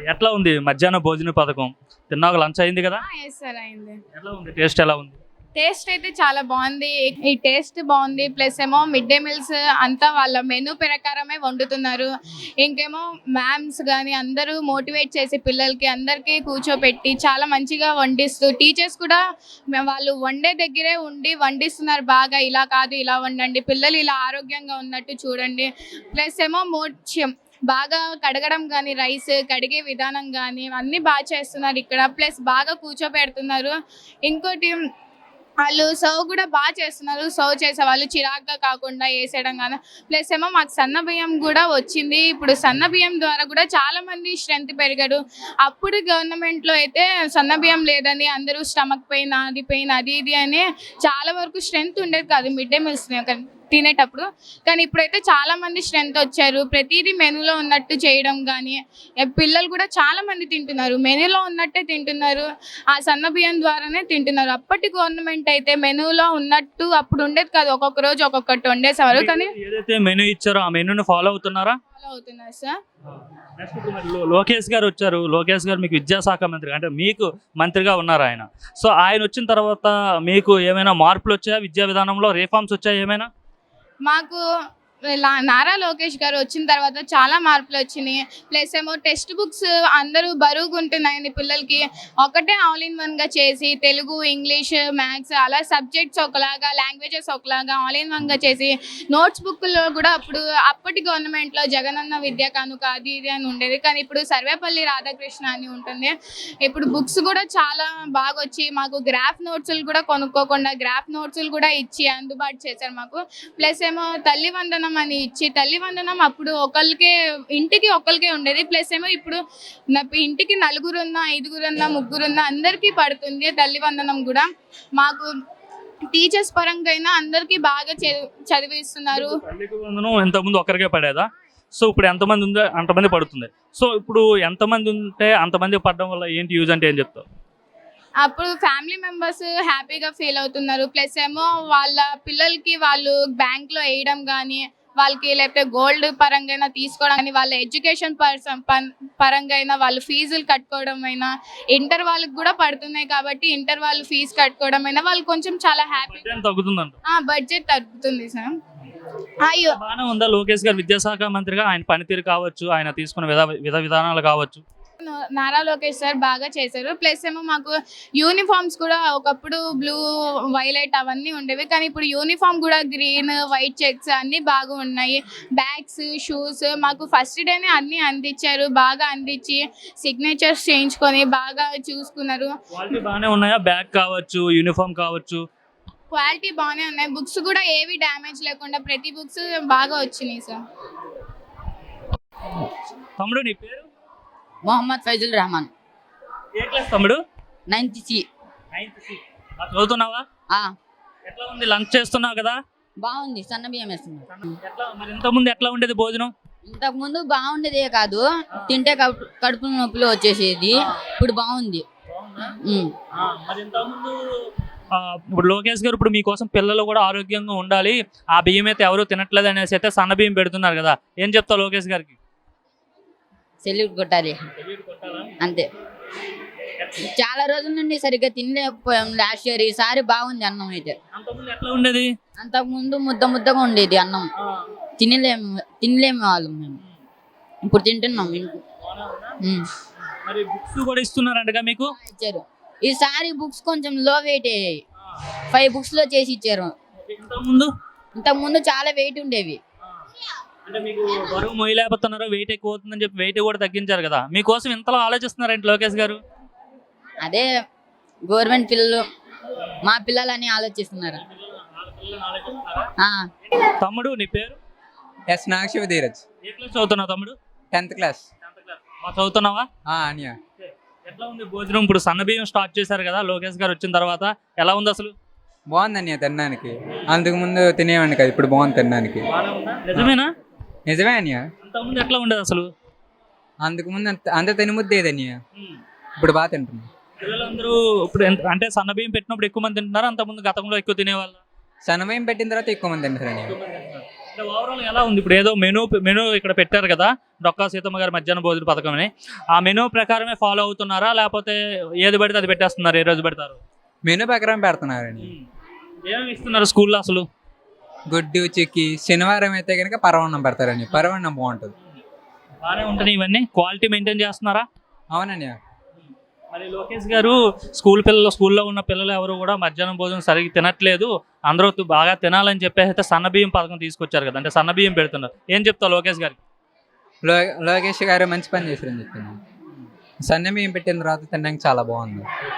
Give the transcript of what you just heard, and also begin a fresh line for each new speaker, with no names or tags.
ఎట్లా ఉంది మధ్యాహ్న భోజన పథకం? తిన్నాక లంచ్ అయింది కదా?
ఎస్ సార్ అయింది.
ఎట్లా ఉంది? టేస్ట్ ఎలా ఉంది?
టేస్ట్ అయితే చాలా బాగుంది. ఈ టేస్ట్ బాగుంది. ప్లస్ ఏమో మిడ్ డే మీల్స్ అంతా వాళ్ళ మెనూ ప్రకారమే వండుతున్నారు. ఇంకేమో మ్యామ్స్ కానీ అందరూ మోటివేట్ చేసి పిల్లలకి అందరికీ కూర్చోపెట్టి చాలా మంచిగా వండిస్తూ టీచర్స్ కూడా వాళ్ళు వండే దగ్గరే ఉండి వండిస్తున్నారు. బాగా ఇలా కాదు ఇలా వండండి, పిల్లలు ఇలా ఆరోగ్యంగా ఉన్నట్టు చూడండి. ప్లస్ ఏమో బాగా కడగడం కానీ రైస్ కడిగే విధానం కానీ అన్నీ బాగా చేస్తున్నారు ఇక్కడ. ప్లస్ బాగా కూర్చోబెడుతున్నారు. ఇంకోటి వాళ్ళు సర్వ్ కూడా బాగా చేస్తున్నారు. సర్వ్ చేసే వాళ్ళు చిరాగ్గా కాకుండా వేసేయడం కానీ. ప్లస్ ఏమో మాకు సన్న బియ్యం కూడా వచ్చింది. ఇప్పుడు సన్న బియ్యం ద్వారా కూడా చాలా మంది స్ట్రెంత్ పెరిగారు. అప్పుడు గవర్నమెంట్లో అయితే సన్న బియ్యం లేదని అందరూ స్టమక్ పెయిన్ అది ఇది అని చాలా వరకు స్ట్రెంత్ ఉండేది కాదు మిడ్ డే మీల్స్ తినేటప్పుడు. కానీ ఇప్పుడైతే చాలా మంది స్ట్రెంత్ వచ్చారు. ప్రతిదీ మెనూలో ఉన్నట్టు చేయడం కానీ పిల్లలు కూడా చాలా మంది తింటున్నారు. మెనూలో ఉన్నట్టే తింటున్నారు. ఆ సన్న బియ్యం ద్వారానే తింటున్నారు. అప్పటి గవర్నమెంట్ అయితే మెనూలో ఉన్నట్టు అప్పుడు ఉండేది కాదు. ఒక్కొక్క రోజు ఒక్కొక్కటి వండేసేవారు. కానీ
ఏదైతే మెనూ ఇచ్చారో ఆ మెనూని ఫాలో అవుతున్నారా?
ఫాలో అవుతున్నారు సార్.
లోకేష్ గారు వచ్చారు. లోకేష్ గారు మీకు విద్యాశాఖ మంత్రి, అంటే మీకు మంత్రిగా ఉన్నారు ఆయన. సో ఆయన వచ్చిన తర్వాత మీకు ఏమైనా మార్పులు వచ్చాయా? విద్యా విధానంలో రిఫార్మ్స్ వచ్చాయా ఏమైనా?
మాకు నారా లోకేష్ గారు వచ్చిన తర్వాత చాలా మార్పులు వచ్చినాయి. ప్లస్ ఏమో టెక్స్ట్ బుక్స్ అందరూ బరువుగా ఉంటున్నాయని పిల్లలకి ఒకటే ఆల్ ఇన్ వన్గా చేసి తెలుగు, ఇంగ్లీష్, మ్యాథ్స్ అలా సబ్జెక్ట్స్ ఒకలాగా, లాంగ్వేజెస్ ఒకలాగా ఆల్ ఇన్ వన్గా చేసి నోట్స్ బుక్లో కూడా అప్పటి గవర్నమెంట్లో జగనన్న విద్యా కానుక అది ఇది అని ఉండేది. కానీ ఇప్పుడు సర్వేపల్లి రాధాకృష్ణ అని ఉంటుంది. ఇప్పుడు బుక్స్ కూడా చాలా బాగా వచ్చి మాకు గ్రాఫ్ నోట్స్లు కూడా కొనుక్కోకుండా గ్రాఫ్ నోట్స్లు కూడా ఇచ్చి అందుబాటు చేశారు మాకు. ప్లస్ ఏమో తల్లి వందనం అని ఇచ్చి, తల్లి వందనం అప్పుడు ఇంటికి ఒకరికే ఉండేది. ప్లస్ ఏమో ఇప్పుడు ఇంటికి 4 5 3 అందరికీ పడుతుంది తల్లి వందనం కూడా. మాకు టీచర్స్ పరంగా అయినా అందరికీ బాగా చదివిస్తున్నారు.
ఇంతకుముందు ఒకరికే పడేదా? సో ఇప్పుడు ఎంతమంది ఉందో అంతమంది పడుతుంది. సో ఇప్పుడు ఎంతమంది ఉంటే అంతమంది పడడం వల్ల ఏంటి యూజ్ అంటే ఏం చెప్తావు?
అప్పుడు ఫ్యామిలీ మెంబర్స్ హ్యాపీగా ఫీల్ అవుతున్నారు. ప్లస్ ఏమో వాళ్ళ పిల్లలకి వాళ్ళు బ్యాంక్లో వేయడం కానీ వాళ్ళకి లేకపోతే గోల్డ్ పరంగా అయినా తీసుకోవడం కానీ వాళ్ళ ఎడ్యుకేషన్ పరంగా అయినా వాళ్ళు ఫీజులు కట్టుకోవడం అయినా ఇంటర్ వాళ్ళకి కూడా పడుతున్నాయి కాబట్టి ఇంటర్ వాళ్ళు ఫీజు కట్టుకోవడం అయినా వాళ్ళు కొంచెం చాలా హ్యాపీ బడ్జెట్ తగ్గుతుంది సార్. అయ్యో
బాగానే ఉందా లోకేష్ గారు విద్యాశాఖ మంత్రిగా? ఆయన పనితీరు కావచ్చు, ఆయన తీసుకున్న విధానాలు కావచ్చు.
నారా లోకేష్ సార్ బాగా చేశారు. ప్లస్ ఏమో మాకు యూనిఫామ్స్ కూడా ఒకప్పుడు బ్లూ, వైలెట్ అవన్నీ ఉండేవి. కానీ ఇప్పుడు యూనిఫామ్ కూడా గ్రీన్, వైట్ చెక్స్ అన్నీ బాగా ఉన్నాయి. బ్యాగ్స్, షూస్ మాకు ఫస్ట్ డేనే అన్నీ అందించారు. బాగా అందించి సిగ్నేచర్స్ చేయించుకొని బాగా చూసుకున్నారు.
క్వాలిటీ బాగానే ఉన్నాయా? బ్యాగ్ కావచ్చు, యూనిఫామ్ కావచ్చు,
క్వాలిటీ బాగానే ఉన్నాయి. బుక్స్ కూడా ఏవి డ్యామేజ్ లేకుండా ప్రతి బుక్స్ బాగా వచ్చినాయి సార్.
తమ్ముడు నీ పేరు?
మొహమ్మద్ ఫైజుల్ రెహమాన్.
ఏ క్లాస్ తమ్ముడు?
9th C.
చదువుతున్నావా? ఎట్లా ఉంది? లంచ్ చేస్తున్నావు కదా?
బాగుంది. సన్న బియ్యం వేస్తున్నారు.
మరి ఇంతకుముందు ఎట్లా ఉండేది భోజనం?
ఇంతకు ముందు బాగుండేదే కాదు, తింటే కడుపు నొప్పులు వచ్చేసేది. ఇప్పుడు బాగుంది.
మరి ఇంతకుముందు ఇప్పుడు లోకేష్ గారు ఇప్పుడు మీకోసం పిల్లలు కూడా ఆరోగ్యంగా ఉండాలి, ఆ బియ్యం అయితే ఎవరు తినట్లేదు అనేసి అయితే సన్న బియ్యం పెడుతున్నారు కదా, ఏం చెప్తావు లోకేష్ గారికి?
సెల్యూట్ కొట్టాలి అంతే. చాలా రోజుల నుండి సరిగ్గా తినలేకపోయాం లాస్ట్ ఇయర్. ఈసారి బాగుంది అన్నం అయితే.
ఎట్లా ఉండేది?
అంతకుముందు ముద్దగా ఉండేది అన్నం. తినలేము వాళ్ళం మేము. ఇప్పుడు తింటున్నాం.
మరి బుక్స్ కూడా ఇస్తున్నారంటగా మీకు?
ఇచ్చారు. ఈసారి బుక్స్ కొంచెం లో వెయిట్ అయ్యాయి. 5 books లో చేసి ఇచ్చారు. ఇంతకుముందు చాలా వెయిట్ ఉండేవి.
అంటే మీకు బరువు మొయ్యలేకపోతున్నారు, వెయిట్ ఎక్కువ అవుతుందని చెప్పి వెయిట్ కూడా తగ్గించారు కదా, మీకోసం ఇంతలో ఆలోచిస్తున్నారంటే లోకేష్ గారు?
అదే గవర్నమెంట్ పిల్లలు మా పిల్లలని ఆలోచిస్తున్నారు.
తమ్ముడు నీ పేరు?
ఎస్ నాగశివ ధీరజ్.
ఏ క్లాస్ చదువుతున్నావు తమ్ముడు?
10th class.
చదువుతున్నావా?
అనియా.
ఎట్లా ఉంది భోజనం? ఇప్పుడు సన్న బియ్యం స్టార్ట్ చేశారు కదా లోకేష్ గారు వచ్చిన తర్వాత, ఎలా ఉంది అసలు?
బాగుంది అన్నయ్య తినడానికి. అంతకు ముందు తినేవాడిని కదా, ఇప్పుడు బాగుంది తినడానికి.
నిజమేనా?
నిజమే అన్నయ్య.
అంతకుముందు ఎట్లా ఉండేది అసలు?
అంతకు ముందు అంత తినముద్దేది అన్నయ్య, ఇప్పుడు బాగా తింటున్నాం.
పిల్లలందరూ ఇప్పుడు అంటే సన్న బియ్యం పెట్టినప్పుడు ఎక్కువ మంది తింటున్నారు, అంతకుముందు గతంలో ఎక్కువ తినేవాళ్ళు?
సన్నమయం పెట్టిన తర్వాత ఎక్కువ మంది తింటారు అన్నయ్య.
అంటే ఓవరాల్ ఎలా ఉంది ఇప్పుడు ఏదో మెనూ ఇక్కడ పెట్టారు కదా డొక్కా సీతమ్మ గారి మధ్యాహ్న భోజన పథకం అని ఆ మెనూ ప్రకారమే ఫాలో అవుతున్నారా లేకపోతే ఏది పడితే అది పెట్టేస్తున్నారు ఏ రోజు పెడతారు
మెనూ ప్రకారం పెడుతున్నారండి.
ఏమేమి ఇస్తున్నారు స్కూల్లో అసలు
గుడ్డు చిక్కి శనివారం అయితే కనుక పరవన్నం పెడతారండి. పరవన్నం బాగుంటుంది.
బాగానే ఉంటుంది ఇవన్నీ క్వాలిటీ మెయింటైన్ చేస్తున్నారా
అవునండి.
మరి లోకేష్ గారు స్కూల్లో ఉన్న పిల్లలు ఎవరు కూడా మధ్యాహ్నం భోజనం సరిగ్గా తినట్లేదు అందరూ బాగా తినాలని చెప్పేసి అయితే సన్నబియ్యం పథకం తీసుకొచ్చారు కదా అంటే సన్నబియ్యం పెడుతున్నారు ఏం చెప్తావు లోకేష్ గారికి
లోకేష్ గారు మంచి పని చేశారని చెప్తున్నాను. సన్నబియ్యం పెట్టిన తర్వాత తినడానికి చాలా బాగుంది.